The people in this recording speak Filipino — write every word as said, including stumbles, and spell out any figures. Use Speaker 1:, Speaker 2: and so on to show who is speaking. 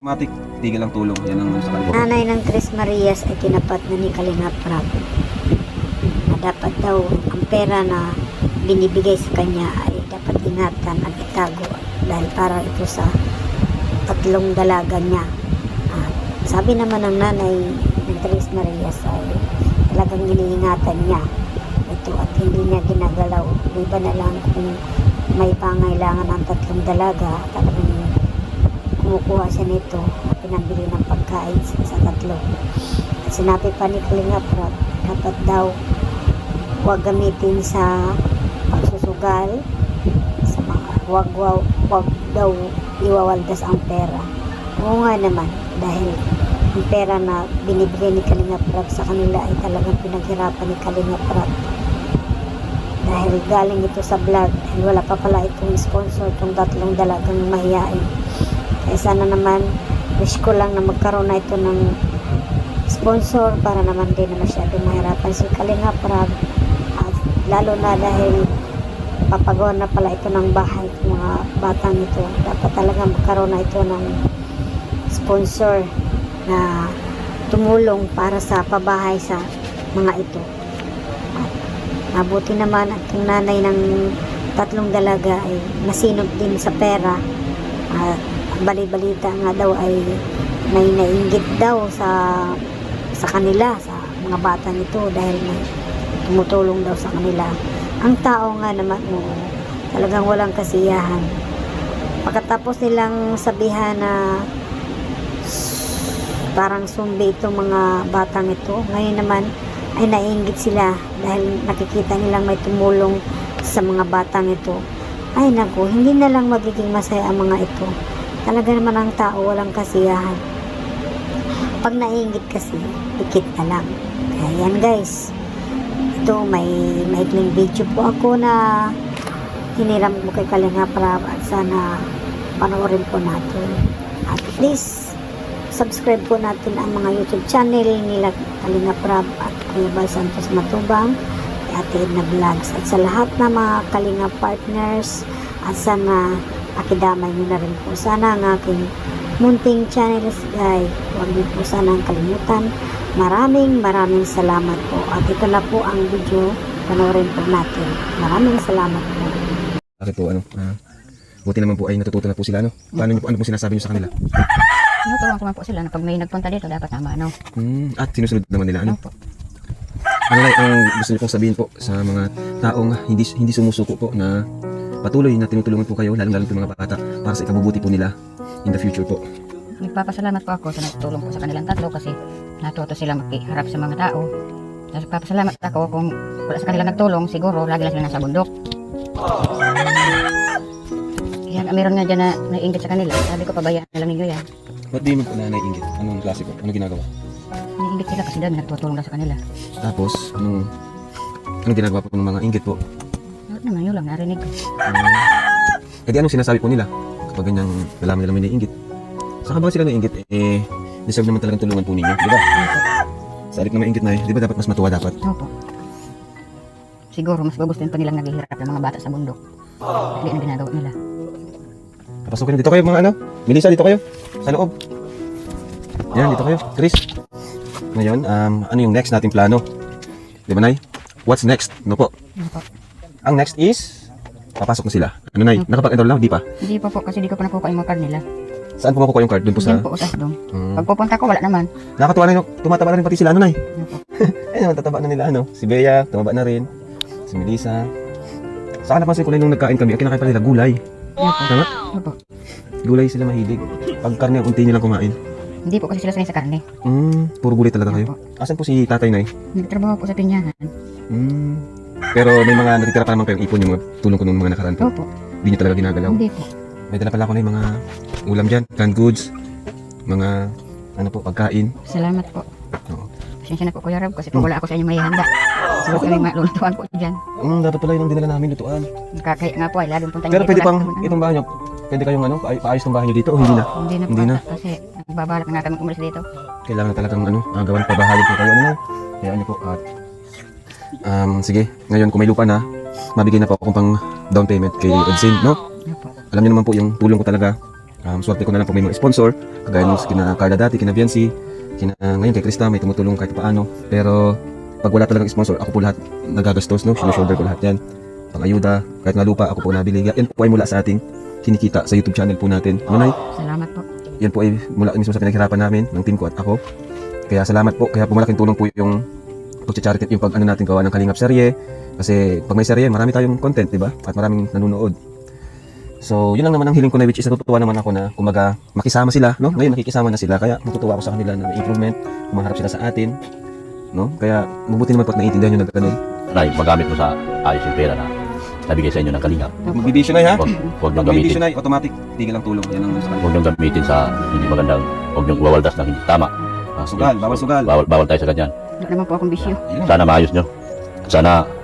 Speaker 1: Matik, tigil ang tulong. Yan ang sa kanila.
Speaker 2: Nanay ng Tres Marias ay tinapat na ni Kalinga Prab na dapat daw ang pera na binibigay sa kanya ay dapat ingatan at itago dahil para ito sa tatlong dalaga niya. At sabi naman ng nanay ng Tres Marias ay talagang iniingatan niya ito at hindi niya ginagalaw. Iba na lang kung may pangailangan ang tatlong dalaga, talagang kumukuha siya nito at pinambili ng pagkain sa tatlo. At sinabi pa ni Kalinga Prab, dapat daw huwag gamitin sa pagsusugal, sa mga huwag, huwag, huwag daw iwawaldas ang pera. Oo nga naman, dahil ang pera na binibigay ni Kalinga Prab sa kanila ay talagang pinaghirapan ni Kalinga Prab. Dahil galing ito sa vlog, dahil wala pa pala itong sponsor, itong tatlong dalagang mahihain. Kaya sana naman, wish ko lang na magkaroon na ito ng sponsor para naman din na masyadong mahirapan si Kalinga Prab. At lalo na dahil papagawa na pala ito ng bahay ng mga batang ito. Dapat talaga magkaroon na ito ng sponsor na tumulong para sa pabahay sa mga ito. At mabuti naman at yung nanay ng tatlong dalaga ay nasinop din sa pera. At bali-balita nga daw ay may nainggit daw sa sa kanila, sa mga bata nito dahil may tumutulong daw sa kanila. Ang tao nga naman, oh, talagang walang kasiyahan. Pagkatapos nilang sabihan na parang sumbi itong mga batang ito, ngayon naman ay nainggit sila dahil nakikita nilang may tumulong sa mga batang ito. Ay naku, hindi na lang magiging masaya ang mga ito. Talaga naman ang tao walang kasiyahan. Pag nainggit kasi, pikit na lang. Kaya yan guys, ito may maikling video po ako na hiniram mo kay Kalinga Prab at sana panoorin po natin. At please, subscribe po natin ang mga YouTube channel nila Kalinga Prab at Kuya Bal Santos Matubang, Ate Edna Vlogs, at sa lahat na mga Kalinga partners, at sana akidamay nyo na rin po sana ang aking munting channels guys. Huwag niyo po sana ang kalimutan. Maraming maraming salamat po. At ito na po ang video, panoorin po natin. Maraming salamat po.
Speaker 1: Bakit po ano? Uh, buti naman po ay natututo na po sila, ano? Paano niyo po, ano po sinasabi niyo sa kanila?
Speaker 3: Tinuturuan ko man po sila na pag may nagpunta dito, dapat tama, ano?
Speaker 1: Hmm, at sinusunod naman nila, ano?
Speaker 3: Opo.
Speaker 1: Ano na ang gusto niyo pong sabihin po sa mga taong hindi hindi sumusuko po na patuloy na tinutulungan po kayo, lalong-lalo po mga bata, para sa ikabubuti po nila in the future po?
Speaker 3: Nagpapasalamat po ako sa nagtulong po sa kanilang tatlo kasi natuto sila makiharap sa mga tao. Tapos nagpapasalamat ako kung wala sa kanilang nagtulong, siguro lagi lang sila nasa bundok. Kaya meron nga dyan na naiinggit sa kanila. Sabi ko, pabayaan na lang ninyo yan.
Speaker 1: Ba't di mo po na naiinggit? Anong klase po? Anong ginagawa?
Speaker 3: Naiinggit sila kasi dami nagtutulong daw sa kanila.
Speaker 1: Tapos, anong, anong ginagawa po ng mga inggit po?
Speaker 3: Ano naman, yun lang narinig ko.
Speaker 1: Um, eh di anong sinasabi po nila kapag ganyang nalaman nila may naiinggit? Saka ba sila naiinggit? Eh, deserve naman talagang tulungan po ninyo, di ba? Sa halip na mainggit na eh, di ba dapat mas matuwa dapat?
Speaker 3: Opo. Siguro mas gugustuhin pa nilang naghihirap ng mga bata sa bundok. Hindi na ginagawa nila.
Speaker 1: Papasukin na dito kayo mga ano? Melissa, dito kayo. Sa loob. Yan, dito kayo. Chris. Ngayon, um, ano yung next nating plano? Di ba, Nay? What's next? No po?
Speaker 3: Opo.
Speaker 1: Ang next is, papasok na sila. Ano, Nay? Nakapag-enroll na? Di pa?
Speaker 3: Hindi pa po kasi di ko pa nakuha yung mga card nila.
Speaker 1: Saan po makukuha yung card? Doon po sa...
Speaker 3: Diyan po usas doon.
Speaker 1: Hmm.
Speaker 3: Pag pupunta ko, wala naman.
Speaker 1: Nakakatuwa na yung tumataba na rin pati sila, ano, Nay?
Speaker 3: Opo.
Speaker 1: Ayun, tataba na nila, ano? Si Bea, tumaba na rin. Si Melissa. Saka napansin ko na nung nagkain kami, ang kinakain pa nila gulay.
Speaker 3: Opo.
Speaker 1: Tama?
Speaker 3: Opo.
Speaker 1: Gulay sila mahilig. Pag karne, unti nyo lang kumain.
Speaker 3: Hindi po kasi sila sanay sa karne.
Speaker 1: Hmm, puro gulay talaga kayo. Asan po si tatay, Nay?
Speaker 3: Nagtrabaho po sa tinyahan.
Speaker 1: Hmm. Pero may mga natitira pa naman kayong ipon yung mga tulong ko nung mga nakaraan po.
Speaker 3: Opo.
Speaker 1: Hindi nyo talaga ginagalaw.
Speaker 3: Hindi po.
Speaker 1: May dala pala ako na yung mga ulam dyan, canned goods, mga ano po, pagkain.
Speaker 3: Salamat po.
Speaker 1: Oo.
Speaker 3: Pasensya na po Kuya Rab kasi po wala ako sa inyong mahihanda. Kasi kami malulutuan po dyan.
Speaker 1: Hmm, dapat pala yun ang dinala namin, lutuan.
Speaker 3: Nakakaya nga po ay laging punta
Speaker 1: Pero
Speaker 3: dito,
Speaker 1: pwede
Speaker 3: lagi
Speaker 1: pang
Speaker 3: naman,
Speaker 1: itong bahay nyo, pwede kayong ano, pa- paayos ng bahay nyo dito o hindi na?
Speaker 3: Hindi na po.
Speaker 1: Hindi na.
Speaker 3: Kasi nagbabalak na kami umalis dito.
Speaker 1: Kailangan na talagang ano, uh, gawan pabahayan po kayo. Ano na? Kaya ano po, at um, sige, ngayon kung may lupa na, mabigay na po akong pang down payment kay Edsin, no?
Speaker 3: Opo.
Speaker 1: Alam niyo naman po yung tulong ko talaga Um, swerte ko na lang po may mga sponsor, kagaya nung kina Carla dati, kina Viancy, kina, ngayon kay Krista, may tumutulong kahit paano. Pero pag wala talagang sponsor, ako po lahat nagagastos, no? Sinushoulder ko lahat yan. Pang-ayuda, kahit nga lupa, ako po nabili. Yan po ay mula sa ating kinikita sa YouTube channel po natin. Ano, Nay?
Speaker 3: Salamat po.
Speaker 1: Yan po ay mula mismo sa pinaghirapan namin, ng team ko at ako. Kaya salamat po. Kaya po malaking tulong po yung pag-charity, yung pag ano natin gawa ng Kalingap serye. Kasi pag may serye, marami tayong content, di ba? At maraming nanonood. So, yun lang naman ang hiling ko na, which is natutuwa naman ako na kumaga makisama sila, no? Ngayon nakikisama na sila, kaya natutuwa ako sa kanila na may improvement, kumaharap sila sa atin, no? Kaya mabuti naman pag naiintindihan nyo na ganun.
Speaker 4: Nay, magamit mo sa ayos yung pera na nabigay sa inyo ng Kalingap.
Speaker 1: Magbibisyo na ha?
Speaker 4: Huwag, huwag niyong
Speaker 1: Magbibisyo
Speaker 4: gamitin.
Speaker 1: na, automatic, tigil ang tulong. Yan ang sa kanila.
Speaker 4: Huwag niyong gamitin sa hindi magandang, huwag niyong wawaldas ng hindi tama.
Speaker 1: Ah, sugal, bawal sugal.
Speaker 4: Bawal, bawal tayo sa ganyan.
Speaker 3: Wala naman po akong bisyo.
Speaker 1: Ayun.
Speaker 4: Sana maayos nyo. Sana